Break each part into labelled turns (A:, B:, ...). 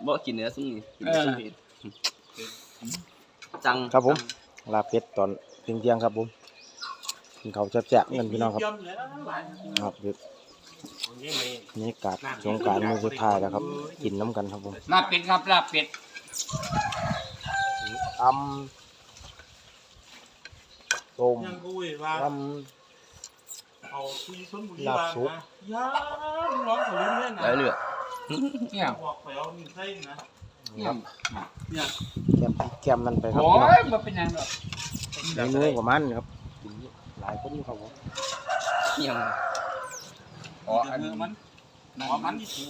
A: บ่กินเนื้อซุ้มนี่กินซุ้มนี่จัง
B: ครับผมลาเป็ดตอนเที่ยงครับผมกินข้าวแซ่บๆเงินพี่น้องครับครับนี่กาดสงกรานต์มื้อสุดท้ายแล้วครับกินน้ำกันครับผม
C: ลาบเป็ดครับลาบเป็ด
B: ต้ม
D: เอาที่ชนบุรี
B: ลาบซุป
D: ย่าร้องเขาเล่นเล่นนะ
A: ได้เลย
C: เนี่ย
D: บอกไปเอาหนึ่งไส้นะ
B: ครับ
D: เนี่ย
B: แก้มนั่นไปครับ
C: โอ้
B: พี่น้อง
C: ยมันเป็นยังไง
B: เมนูประมาณนี้ครับกินหลายคนอยู่ครับผม
A: ยัง
C: อ๋ออันนี้มันที่ถู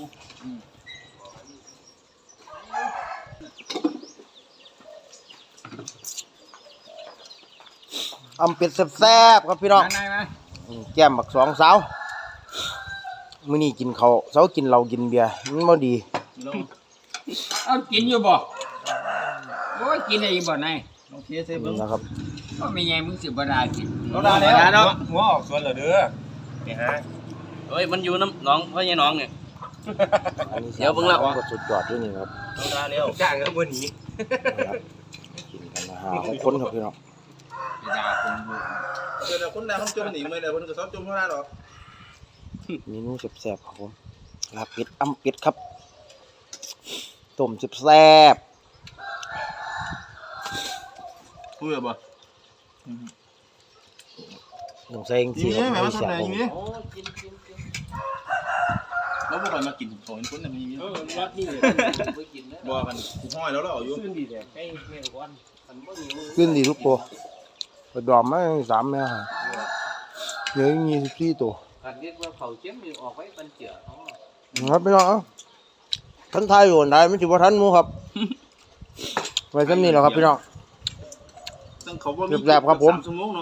B: เป็ดแซ่บๆครับพี่น้อง
C: ไหนมา
B: แก้มบักสองสาวมื้อนี้กินข้าวเช้ากินเหล้ากินเบียร์มันบ่ดี
C: เอากินอยู่บ่โอ้ยกินได้อยู่บ่นาย
D: ลองเทสให้เบิ่ง
B: นะครับ
C: ก็ไม่ไงมึงสิบ่ได้กิน
D: เราได้แล้วหัวออกส่วนเหรอเด้อนี่ฮะ
A: เฮ้ยมันอยู่น้ำน้องพ่อใหญ่น้องเนี่ย
B: อันนี้
A: เดี๋ยวเบิ่งละ
B: ก็สุดยอดด้วยนี่ครับ
D: เราได้แล้วจ้างกันวันนี้
B: กินกันนะฮะ6คนครับพี่น้อง
C: จะด่าคนบ่
D: เดี๋ยวคนใดคนจมหนีไม่ได้คนก็ชอบจมเท่านั้นหรอก
B: เมนูแซ่บๆครับผมลาบเป็ดเป็ดครับต้มแซ่บ
D: พูดบ่
B: ต้องใส่จังซี่ครับไม่แซ่บผม
D: แล้วพวกมันมากินของคนนั้นมีวัดนี่บ่กันห้อยแล้วเราอยู่
B: ขึ้นดีทุกตัวไปดอมมา3แม่ฮะเหลือ24ตัว
A: การเรียกว่าเขาเจ็บมีออกไว้ปันเจือ
B: ครับพี่น้องท่านทายอยู่ได้ไม่ถือว่าท่านมูครับไว้ซ้ำนี้แหละครับพี่น้อง
D: ซึ่งเขาบ่มี
B: แซ่บๆครับผม
D: 3 ชั่วโมงเนาะ